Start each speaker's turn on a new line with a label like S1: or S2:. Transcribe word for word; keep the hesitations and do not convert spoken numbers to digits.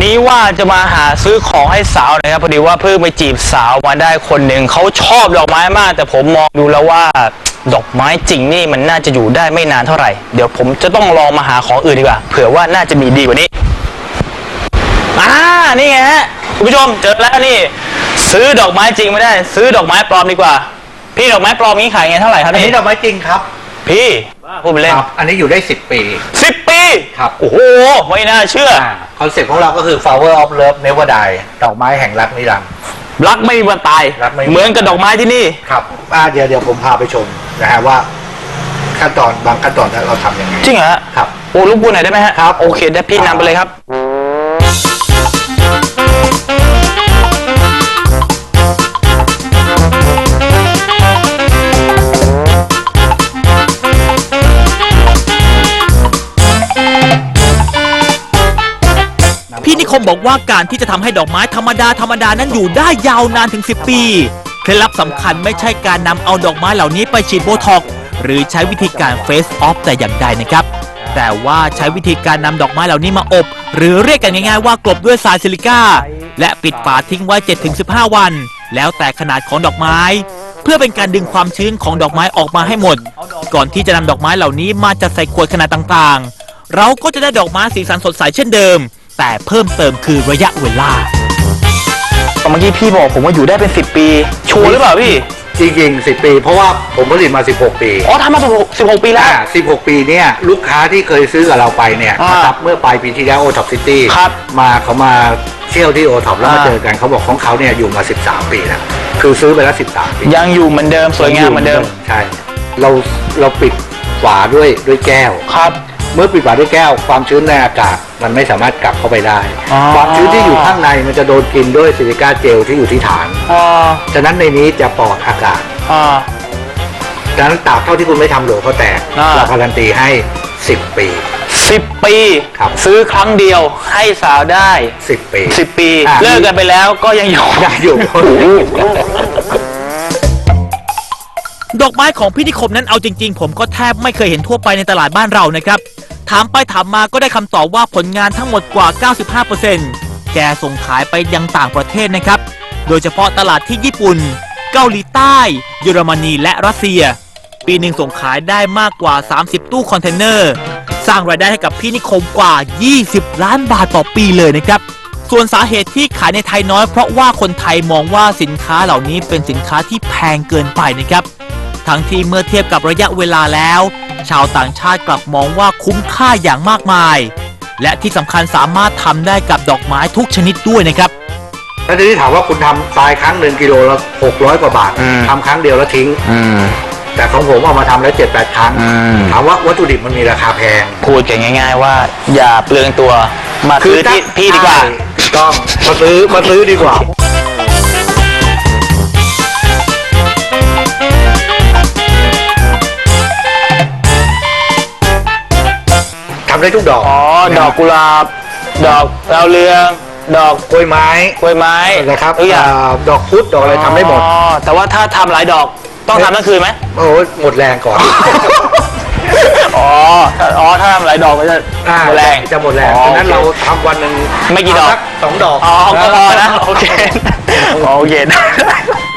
S1: นี้ว่าจะมาหาซื้อของให้สาวนะครับพอดีว่าเพิ่งไปจีบสาวมาได้คนหนึ่งเขาชอบดอกไม้มากแต่ผมมองดูแล้วว่าดอกไม้จริงนี่มันน่าจะอยู่ได้ไม่นานเท่าไหร่เดี๋ยวผมจะต้องลองมาหาของอื่นดีกว่าเผื่อว่าน่าจะมีดีกว่านี้อ่านี่ไงฮะคุณผู้ชมเจอแล้วนี่ซื้อดอกไม้จริงไม่ได้ซื้อดอกไม้ปลอมดีกว่าพี่ดอกไม้ปลอมนี้ขายไงเท่าไหร่ครับ
S2: อันนี้ดอกไม้จริงครับ
S1: พี่พูดไปเล่น
S2: อันนี้อยู่ได้สิบปี
S1: สิบปี
S2: ครับ
S1: โอ้โหไม่น่าเชื่อ
S2: คอนเซ็ปต์ของเราก็คือ flower of love never die ดอกไม้แห่งรักนิรันดร์
S1: รักไม่มีวันตายเหมือนกับดอกไม้ที่นี่
S2: ครับอ่าเดี๋ยวเดี๋ยวผมพาไปชมนะฮะว่าขั้นตอนบางขั้นตอนเราทำยังไง
S1: จริงเหรอ
S2: ครับ
S1: โอ้ลูกบัวไหนได้ไหมฮะ
S2: ครับ
S1: โอเคได้พี่นำไปเลยครับ
S3: พี่นิคมบอกว่าการที่จะทำให้ดอกไม้ธรรมดาธรรมดานั้นอยู่ได้ยาวนานถึงสิบปีเคล็ดลับสำคัญไม่ใช่การนำเอาดอกไม้เหล่านี้ไปฉีดโบท็อกซ์หรือใช้วิธีการเฟสออฟแต่อย่างใดนะครับแต่ว่าใช้วิธีการนำดอกไม้เหล่านี้มาอบหรือเรียกกันง่ายๆว่ากลบด้วยทรายซิลิก้าและปิดฝาทิ้งไว้ เจ็ดถึงสิบห้า วันแล้วแต่ขนาดของดอกไม้เพื่อเป็นการดึงความชื้นของดอกไม้ออกมาให้หมดก่อนที่จะนำดอกไม้เหล่านี้มาจัดใส่ขวดขนาดต่างๆเราก็จะได้ดอกไม้สีสันสดใสเช่นเดิมแต่เพิ่มเติมคือระยะเวลา
S1: เมื่อกี้พี่บอกผมว่าอยู่ได้เป็นสิบปีชัวร์หรือเปล่าพี่
S2: จริงๆสิบปีเพราะว่าผมผลิตมาสิบหกปี
S1: อ๋อทำมาสิบหกปีแล้ว
S2: สิบหกปีเนี่ยลูกค้าที่เคยซื้อกับเราไปเนี่ยนะครับเมื่อปลายปีที่แล้วโอท็อปซิตี้มาเขามาเที่ยวที่โอท็อปแล้วมาเจอกันเขาบอกของเขาเนี่ยอยู่มาสิบสามปีแล้วคือซื้อไปแล้วสิบสามปี
S1: ยังอยู่เหมือนเดิมสวยงามเหมือนเดิม
S2: ใช่เราเราปิดฝาด้วยด้วยแก้ว
S1: ครับ
S2: เมื่อปิดฝาด้วยแก้วความชื้นในอากาศมันไม่สามารถกลับเข้าไปได้ความชื้นที่อยู่ข้างในมันจะโดนกินด้วยซิลิก้าเจลที่อยู่ที่ฐานฉะนั้นในนี้จะปลอดอากาศฉะนั้นตราบเท่าที่คุณไม่ทำโหลเขาแตกเราการันตีให้สิบปี
S1: สิบปี
S2: ครับ
S1: ซื้อครั้งเดียวให้สาวได้
S2: สิบปี
S1: สิบปีเลิกกันไปแล้วก็ยังอยู่
S2: ยังอยู่
S3: ดอกไม้ของพี่นิคมนั้นเอาจริงๆผมก็แทบไม่เคยเห็นทั่วไปในตลาดบ้านเรานะครับถามไปถามมาก็ได้คำตอบว่าผลงานทั้งหมดกว่า เก้าสิบห้าเปอร์เซ็นต์ แกส่งขายไปยังต่างประเทศนะครับโดยเฉพาะตลาดที่ญี่ปุ่นเกาหลีใต้เยอรมนีและรัสเซียปีหนึ่งส่งขายได้มากกว่าสามสิบตู้คอนเทนเนอร์สร้างรายได้ให้กับพี่นิคมกว่ายี่สิบล้านบาทต่อปีเลยนะครับส่วนสาเหตุที่ขายในไทยน้อยเพราะว่าคนไทยมองว่าสินค้าเหล่านี้เป็นสินค้าที่แพงเกินไปนะครับทั้งที่เมื่อเทียบกับระยะเวลาแล้วชาวต่างชาติกลับมองว่าคุ้มค่าอย่างมากมายและที่สำคัญสามารถทำได้กับดอกไม้ทุกชนิดด้วยนะครับ
S2: ถ้าทีนี้ถามว่าคุณทำทรายครั้งหนึ่งกิโลละหกร้อยกว่าบาททำครั้งเดียวแล้วทิ้งแต่ของผมเอามาทำแล้วเจ็ดแปดครั้งถามว่าวัตถุดิบมันมีราคาแพง
S1: พูดกันง่ายๆว่าอย่าเปลืองตัวมาซื้อที่พี่ดีกว่า
S2: ต้องมาซื้อมาซื้อดีกว่าทำได้ทุกดอก
S1: อ๋อดอกกุหลาบดอกดาวเรืองดอก
S2: กล้วยไม้
S1: กล้วยไม้
S2: นะครับดอกพุธดอกอะไรทำได้หมด
S1: อ๋อแต่ว่าถ้าทำหลายดอกต้องทำทั้งคืนไหม
S2: โอ้หมดแรงก่อน
S1: อ๋ออ๋อถ้าทำหลายดอกก็จะหมดแรง
S2: จะหมดแรงฉะนั้นเราทำวันหนึ่ง
S1: ไม่กี่ดอก
S2: สองดอก
S1: อ๋อก็พอนะโอเคโอเค